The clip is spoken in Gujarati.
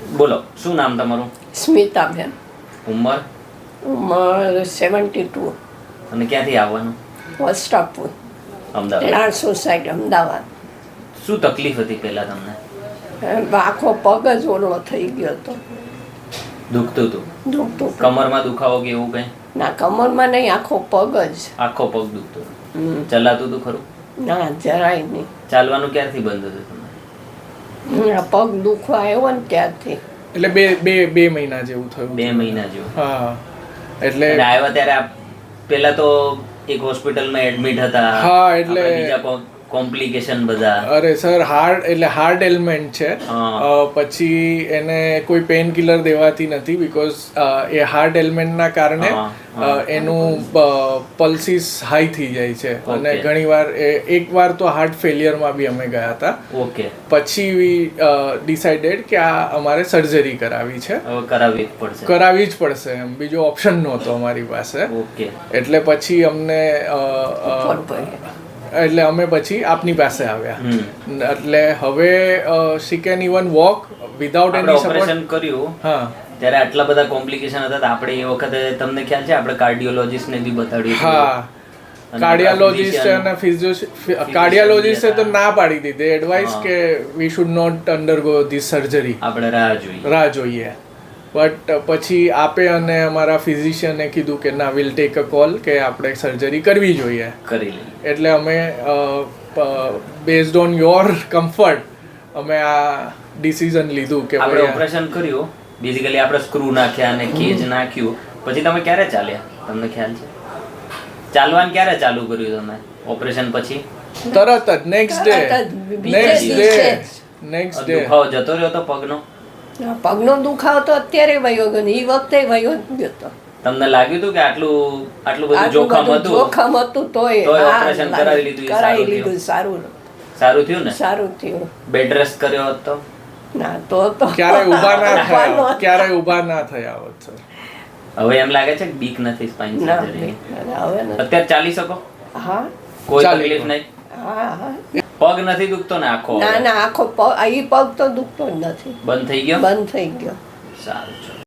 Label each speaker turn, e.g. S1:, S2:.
S1: બોલો, શું નામ તમારું?
S2: સ્મિતાબેન.
S1: ઉંમર?
S2: ઉંમર 72.
S1: અને ક્યાંથી આવવાનું?
S2: વસ્ત્રાપુર,
S1: અમદાવાદ.
S2: લાડ સોસાયટી, અમદાવાદ.
S1: શું તકલીફ હતી પહેલા તમને?
S2: આખો પગ જ ઓલો થઈ ગયો હતો.
S1: દુખતું હતું?
S2: દુખતું.
S1: કમરમાં દુખાવો કે એવું કઈ?
S2: ના, કમરમાં નહીં, આખો પગ જ.
S1: આખો પગ દુખતો હતો? ચલાતું હતું ખરું?
S2: ના, જરાય નહીં.
S1: ચાલવાનું ક્યારથી બંધ હતું તમને?
S2: પગ દુખવા આવ્યો ને ત્યારથી.
S3: એટલે બે મહિના જેવું થયું.
S1: 2 મહિના જેવું?
S3: હા. એટલે
S1: આવ્યા ત્યારે પેલા તો એક હોસ્પિટલમાં એડમિટ હતા.
S3: હા, એટલે
S1: બીજા કોમ્પ્લિકેશન બધા.
S3: અરે સર, હાર્ટ એલિમેન્ટ છે. પછી એને કોઈ પેન કિલર દેવાતી નથી બીકોઝ એ હાર્ટ એલિમેન્ટના કારણે એનું પલ્સીસ હાઈ થઈ જાય છે. અને ઘણીવાર એકવાર તો હાર્ટ ફેલિયરમાં બી અમે ગયા હતા.
S1: ઓકે.
S3: પછી વી ડિસાઇડેડ કે આ અમારે સર્જરી કરાવી છે.
S1: કરાવવી જ
S3: પડશે એમ, બીજો ઓપ્શન નહોતો અમારી પાસે.
S1: ઓકે.
S3: એટલે પછી અમને એટલે અમે પછી આપની પાસે આવ્યા. એટલે હવે she can even walk without any
S1: operation કર્યું. હા, ત્યારે આટલા બધા કોમ્પ્લિકેશન હતા. આપણે એ વખતે તમને ખ્યાલ છે આપણે કાર્ડિયોલોજિસ્ટ ને બી બતાડ્યું.
S3: હા, કાર્ડિયોલોજિસ્ટ અને કાર્ડિયોલોજિસ્ટે તો ના પાડી દીધી એડવાઇસ કે we should not undergo this surgery,
S1: આપણે રાહ જોઈએ.
S3: બટ પછી આપે અને અમારા ફિઝિશિયને કીધું કે ના, વિલ ટેક અ કોલ કે આપણે સર્જરી કરવી જોઈએ.
S1: કરી લઈએ.
S3: એટલે અમે બેઝડ ઓન યોર કમ્ફર્ટ અમે આ ડિસિઝન લીધું કે
S1: આપણે ઓપરેશન કર્યું. બેઝિકલી આપણે સ્ક્રૂ નાખ્યા અને કેજ નાખ્યું. પછી તમે ક્યારે ચાલ્યા? તમને ખ્યાલ છે ચાલવાનું ક્યારે ચાલુ કર્યું તમે ઓપરેશન પછી?
S3: તરત જ નેક્સ્ટ ડે
S1: દુખાવો જતો રહ્યો તો પગનો?
S2: પગનો દુખાવો તો અત્યારે વયો ગયો, એ વખતે વયો ગયો હતો.
S1: તમને લાગ્યું હતું કે આટલું બધું
S2: જોખમ હતું તોય
S1: ઓપરેશન કરાવી લીધું?
S2: સારું
S1: થયું ને?
S2: સારું થયું.
S1: બેડ રેસ્ટ કર્યો હોત તો?
S2: ના, તો
S3: ક્યારે ઊભા ના થયા હોત સર.
S1: હવે એમ લાગે છે કે બીક નથી સ્પાઇન સર્જરી? અત્યારે ચાલી શકો?
S2: હા.
S1: કોઈ તકલીફ નહીં?
S2: હા.
S1: પગ નથી દુખતો ને આખો?
S2: ના, આખો પગ, આ પગ તો દુખતો જ નથી.
S1: બંધ થઈ ગયો?
S2: બંધ થઈ ગયો.
S1: સારું છે.